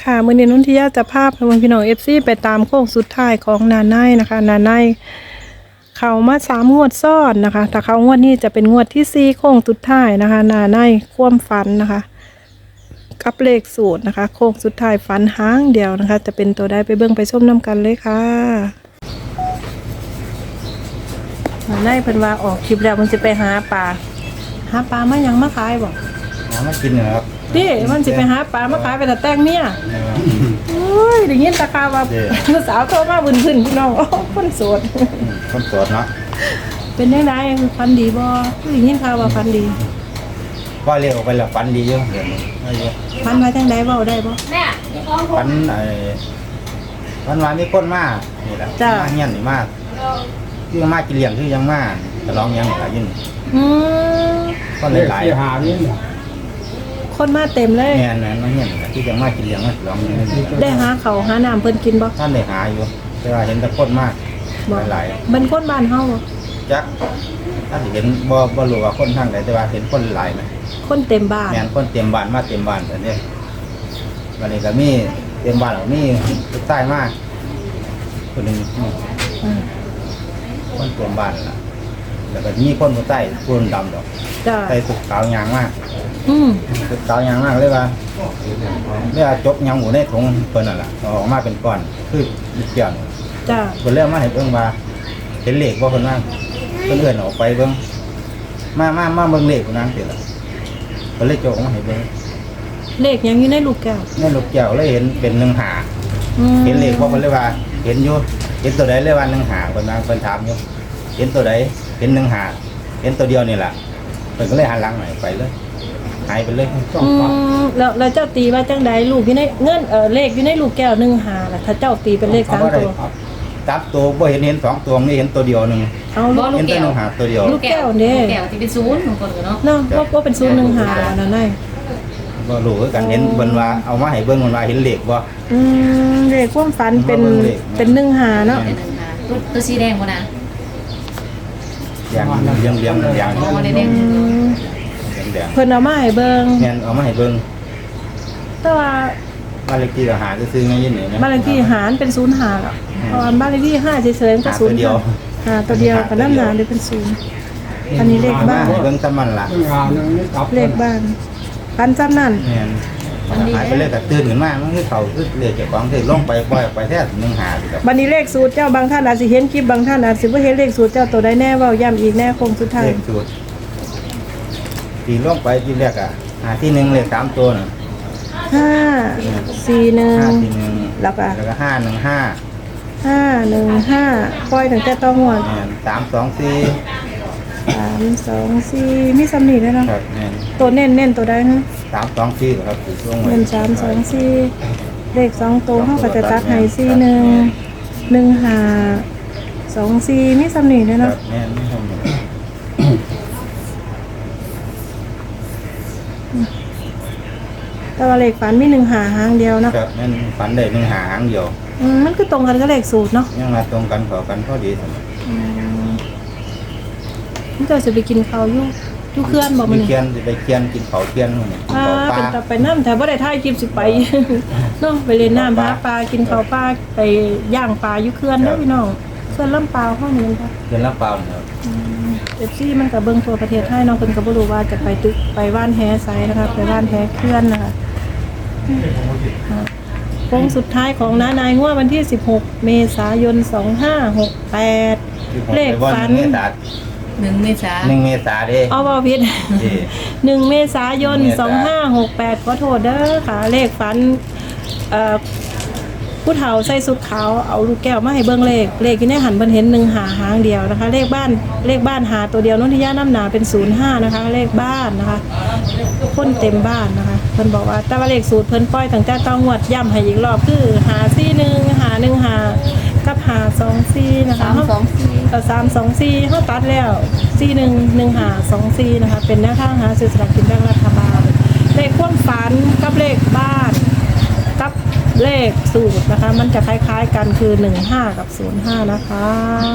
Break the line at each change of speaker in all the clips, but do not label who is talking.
ค่ะมื้อนี้นนทิยาจะพาพี่น้อง FC ไปตามโค้งสุดท้ายของนาไนนะคะนาไนเขามา3 งวดซ้อนนะคะแต่เขางวดนี้จะเป็นงวดที่4โค้งสุดท้ายนะคะนาไนความฝันนะคะกับเลขสูตรนะคะโค้งสุดท้ายฝันหางเดียวนะคะจะเป็นตัวใดไปเบิ่งไปชมน้ำกันเลยค่ะนาไนเพิ่นว่าออกคลิปแล้วมันจะไปหาปลามายังมาขายบ่
มากินเหรอครับ
ดิมันสิไปหาปลามาขายไปแต่แต่งเนี่ยโอ้ยได้ยินตาคาว่าลูกสาวโทรมาบึนขึ้นพี่น้องโอ้คนโสด
คนโสดเนาะ
เป็นยังไงฟันดีบ่ได้ยินข่าวว่าฟันดี
ก็เรียกออกไปแล้วฝันดีเยอะเดี๋ยวนี้ไม่เยอะ
ฟันมาจังไดเว้าได้บ่
ฝันฝันว่ามีคนมากนี่แหละ
จ้ะ
มาเงี้ยนี่มากคือมากินเลี้ยงคือยังมาจะร้องยังหลายยิ่ง
อืม
ก็หลายหานี่
คนมาเต็มเลย
แง่นั้นมาเงี้ยนี่ที่ยังมากินเลี้ยงมาร้องยัง
ได้หาเขาวหาน้ำเพิ่นกินบ่
ท่านได้หาอยู่แต่ว่าเห็นแต่คนมาก
บ่
หลาย
เป็นคนบ้านเฮาบ่
จักท่านเห็นบ่รู้ว่าคนทางไหนแต่ว่าเห็นคนหลายไหม
คนเต็มบ้าน
แม่นคนเต็มบ้านมาเต็มบ้านแต่เนี่ยวันนี้ก็มีเต็มบ้านมีลูกใต้มากคนหนึ่ง
อืม
คนเต็มบ้านล่ะแล้วก็มีคนผู้ใต้คนดำดอก
จ้า
ใส่สุดขาวยางมาก
อืม
สุดขาวยางมากเลยว่าจกยางหมูในถุงเพิ่นนั่นแหละเอาออกมาเป็นก้อนคือดิเกี่ยว
จ้า
เพิ่นเริ่มมาให้เบิ่งว่าเห็นเลขว่าเพิ่นว่าเพิ่นเอื้อนออกไปเบิ่งมาเบิ่งเลขพุ่นนั่นสิล่ะเพิ่นเลยโจกมาให้เบิ่ง
เลขยังอยู่ในลูกแก้ว
ในลูกแก้วเลยเห็นเป็น1 หา
อืม
เห็นเลขว่าเพิ่นเลยว่า เห็นอยู่เห็นตัวใดเลยว่า1 หาเพิ่นว่าเพิ่นถามอยู่เห็นตัวใดเห็น1 หาเห็นตัวเดียวนี่ล่ะเพิ่นก็เลยหันหลังไปเลยหายไปเลย
แล้วเจ้าตีว่าจังใดลูกอยู่ในเงินเลขอยู่ในลูกแก้ว1 หาล่ะถ้าเจ้าตีเป็นเลข3 ตัว
ตับตัวบ่เห็น2 ตัวนี่เห็นตัวเดียวหนึง
เอาลูก
เห็นแต่1 หาตัวเดียว
ลูกแก้วเนี่ย
แก้วที่เป็นศูนย์ของคนกันเนาะ
เนาะว่าเป็น01 หาอันนั้นได้
บ่รู้คือกันเห็นเพิ่นว่าเอามาให้เบิ่งเพิ่นว่าเห็นเลขบ่
เลขความฝันเป็น
มาเบิ่งเลข
เป็น1 หาเนาะ
เป็นหนึ่งค่ะตัวสีแดงวะนะ
อย่างเลี้ยงอย่าง
มองมาได้แดง
แดง
เพิ่นเอามาให้เบิ่ง
แม่นเอามาให้เบิ่ง
แต่ว่า
บ้านเลขที่ก็หาซื้อๆไม่ยินนี่นะ
บ้านเลขที่หารเป็น0 หาแล้วเพราะว่าบ้านเลขที่5เฉยๆก็
หาตัวเดียว
0หาตัวเดียวก็นำหนาเลยเป็น0อันนี้เลขบ้าน
เบิ่งซ้ำมันล่ะ
เลขบ้านพันจำนั่น
แม่นหายไปเลยก็ตื่นขึ้นมามันคือเขาคือเลขเจ้าของที่ลงไปปล่อยออกไปแท้1 หาสิครับ
บัดนี้เลขสูตรเจ้าบางท่านอาจสิเห็นคลิปบางท่านอาจสิบ่เห็นเลขสูตรเจ้าตัวใดแน่เว้าย้ำอีกแน่คงสุดท้าย
เลขสูตรที่ลงไปที่แรกอ่ะหาที่1เลข3ตัวน่ะ
5 4
5
1
ที่1
แล้วก็
515
515ปล่อยตั้งแต่ต้องหัว
แม่น324
3 2 4มีสำนีแล้วเนาะ
ครับแม่น
ตัวเน้นตัวใดฮะ
324ครับคือช่วง
เน้น3 2 4เลข2ตัวเฮาก็จะตัดให้4 1 1 5 2 4มีสำนีแล้ว
ครั
เนาะ
บแม่นไม่ทำเลย
แต่ว่าเลขฝันมี1 หาหางเดียวเนาะ
ครับแม่นฝันได้1 หาหางเดียว
มันคือตรงกันกับเลขสูตรเนาะ
ยังมาตรงกันขอกันพอดี
มันจะสิไปกินข้าวอยู่เคลื่อนบ่มื้
มี
อนี้
เคียนสิไปเคียนกินเผาเคียนมื้อนี้กินเผาปลา
เป็นตาไปน้ำแต่บ่ได้ถ่ายคลิปสิไป เนาะไปเล่นน้ำหาปลากินข้าวปลาไปย่างปลาอยู่เขื่อนเนาะพี่น้องเขื่อนลำปาวเฮานี่ค่ะ
เคียนลำเปล่าเนี่ยครับ
FC มันก็เบิ่งทั่วประเทศไทยเนาะเพิ่นก็บ่รู้ว่าจะไปตึกไปว่านแฮไสนะคะไปว่านแฮเขื่อนนะคะโค้งสุดท้ายของน้านายงวดวันที่ 16 เมษายน 2568 เลขฝัน
1 เมษา
1 เมษาเด้
เอาบ่ผิด
ที่
1 เมษายน 2568ขอโทษเด้อค่ะ เลขฝันผู้เฒ่าใส่สุดขาวเอาลูกแก้วมาให้เบิ่งเลขอยู่ในหันเพิ่นเห็น1 หาหางเดียวนะคะ เลขบ้านหาตัวเดียวนนทิยาน้ำหนาเป็น05นะคะ เลขบ้านนะคะคนเต็มบ้านนะคะเพิ่นบอกว่าแต่ว่าเลขสูตรเพิ่นปล่อยตั้งแต่ต้องงวดย้ำให้อีกรอบคือหา41หา1หากับหา24นะคะ 324เฮาตัดแล้ว41 1หา24นะคะเป็นแนวทางหาซื้อสลากกินแบ่งรัฐบาลเลขความฝันกับเลขบ้านกับเลขสูตรนะคะมันจะคล้ายๆกันคือ15กับ05นะคะ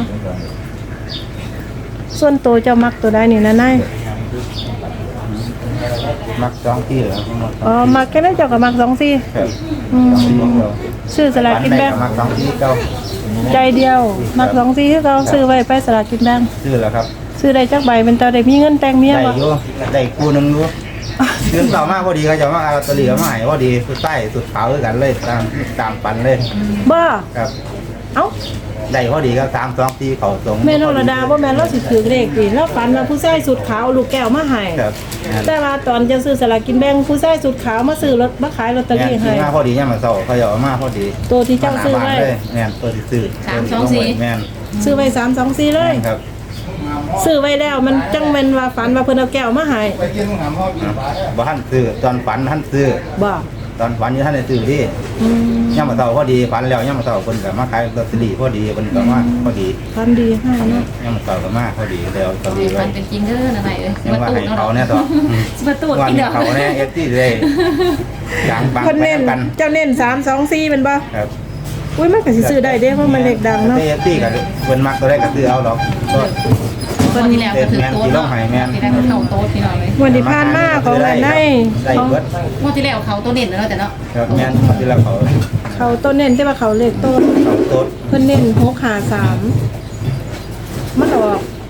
ส่วนตัวเจ้ามักตัวใดนี่นะนาย
มักสองที่เหรอ
อ๋อมักแค่นั้นเจ้าก็มัก2ซี่
ครับ
อืม
สองที่เก่า
ซื้อสลากกินแบ่ง
มักสองที่เก่า
ใจเดียวมัก2ซี่คือเก่าซื้อไว้ไปสลากกินแบ่ง
ซื้อแล้วครับ
ซื้อได้จักใบเป็นตาได้มีเงินแต่งเมีย
ได้
บ่
อยู่ได้คู่หนึงอยู่ซื้อต่อมาพอดีเขาจะมาเอาลอตเตอรี่มาให้พอดีสุดใต้สุดขาวด้วยกันเลยตามปันเลย
บ่
ครับ
เอ้า
ได้พอดีก็3-2ที่เขาส่ง
แม่นรดาบ่แม่นเราสิถือเลขดิเราฝันว่าผู้ชายสุดขาวเอาลูกแก้วมาให้
ครับ
แต่ว่าตอนจะซื้อสลากกินแบ่งผู้ชายสุดขาวมาซื้อรถมาขายลอตเตอรี่ให้
มาพอดีเนี่ยมาเศร้าเขาจะเอามาพอดี
ตัวที่เจ้าซื้อไว้
แม่นตัวที่ซื้อแม่น
ซื้อไว้324เลย
ครับ
ซื้อไว้แล้วมันจังแม่นว่าฝันว่าเพิ่นเอาแก้วมาให้
บ่ทันซื้อตอนฝันทันซื้อ
บ่
ตอนฝันอยู่ท่านได้ซื้อที่
อืม
ย่ามมาเศร้าพอดีฝันแล้วย่ามมาเศร้าคนก็มาขายลอตเตอรี่พอดีคนก็มาพอดี
ฝันดีให้เนาะ
ย่ามมาเศร้าก็มาพอดีแล้วลอตเตอรี่ไว้
มันเป็นจริงเด้อนะไหนเอ้ย
ยังว่าให้เขาเนี่ยต่อ
สิมาตูด
วัน
กิน
นี้
เด้อ
เขาเนี่ยเอฟซีเลยอย่างบาง
เพิ่น
ไป
เน้น
กัน
เจ้าเน้น324เป็นบ่
ครับ
อุ้ยมันก็สิซื้อได้เด้เพราะมันเลขดังเนาะ
เอฟซีก็เพิ่นมักตัวได้ก็ซื้อเอาหรอกก็
คนที่แล้วก็ถือโต๊ะเนาะที่ได้เข้าโต๊ะพี่น้องเลย
วันที่ผ่านมาของอันใน
ได้เบิด
งวดที่แล้วเขาตัวเด่นแล้วแต่เนาะ
ครับแม่นที่เราเขา
เขาต้นเน้นแต่ว่าเขาเลขต้น
เขาโต๊ด
เพิ่นเน้น653มันออก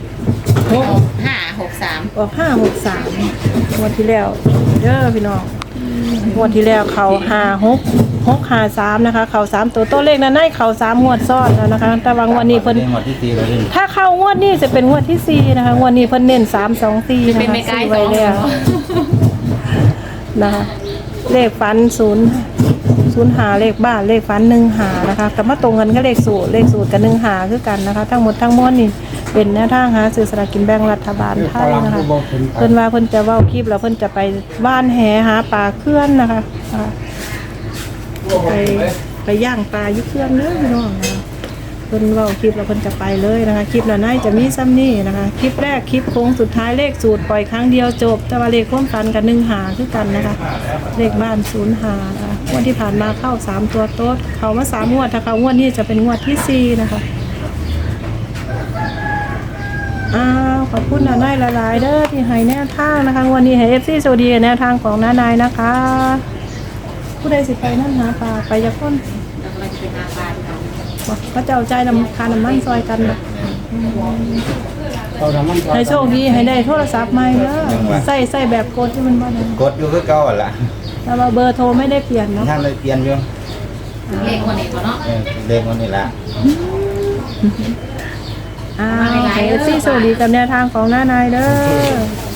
563
ออก563งวดที่แล้วเด้อพี่น้องงวดที่แล้วเขา5653นะคะเขา3ตัวเลขนั้นให้เขา3งวดซ้อนแล้วนะคะแต่ว่างวดนี้เพิ่น
หมดที่ตีเลยนี่
ถ้าเข้างวดนี้จะเป็นงวดที่4นะคะงวดนี้เพิ่นเน้น324นะคะ
เป็นไม่ใกล้
ซื้อ
ส
ไว้
อง
แล้วนะคะเลขฝัน0หาเลขบ้านเลขฝัน1หานะคะแต่มาตรงกันก็เลขสูตรกับ1หาคือกันนะคะ ทั้งหมดทั้งมวลนี่เป็นแนวทางหาซื้อสลากกินแบ่งรัฐบาลไทยนะคะเพิ่นว่าเพิ่นจะเว้าคลิปแล้วเพิ่นจะไปบ้านแหหาปลาเคลื่อนนะคะไปย่างปลาอยู่เคลื่อนเด้อพี่น้องนะคะเพิ่นเว้าคลิปแล้วเพิ่นจะไปเลยนะคะคลิปหน้าจะมีซ้ำนี่นะคะคลิปแรกคลิปโค้งสุดท้ายเลขสูตรปล่อยครั้งเดียวจบแต่ว่าเลขความฝันกับ1หาคือกันนะคะเลขบ้าน0หานะคะงวดที่ผ่านมาเข้า3ตัวโต๊ดเข้ามา3งวดถ้าเข้างวดนี้จะเป็นงวดที่4นะคะขอบคุณน้านายหลายๆเด้อที่ให้แนวทางนะคะวันนี้ให้ FC สวัสดีแนวทางของน้านายนะคะ ผู้ใดสิไปนั่นหาปลาไปจะพ้น
เรากำลังจะไปหาปลาพี่น้อง
บอกก็จะเอาใจน้ำคาน้ำมันซอยกันแบบให้โชคดีให้ได้โทรศัพท์ใหม่เด้อใส่แบบกดที่มันบ่ได้
กดอยู่คือเก่าหั่นล่ะ
แต่ว่าเบอร์โทรไม่ได้เปลี่ยนเนาะ
ท่านเลยเปลี่ยนอยู่
เลขวันนี้เนาะ
เลขมันนี่ล่ะ
ให้ FC สวัสดีกับแนวทางของน้านายเด้อ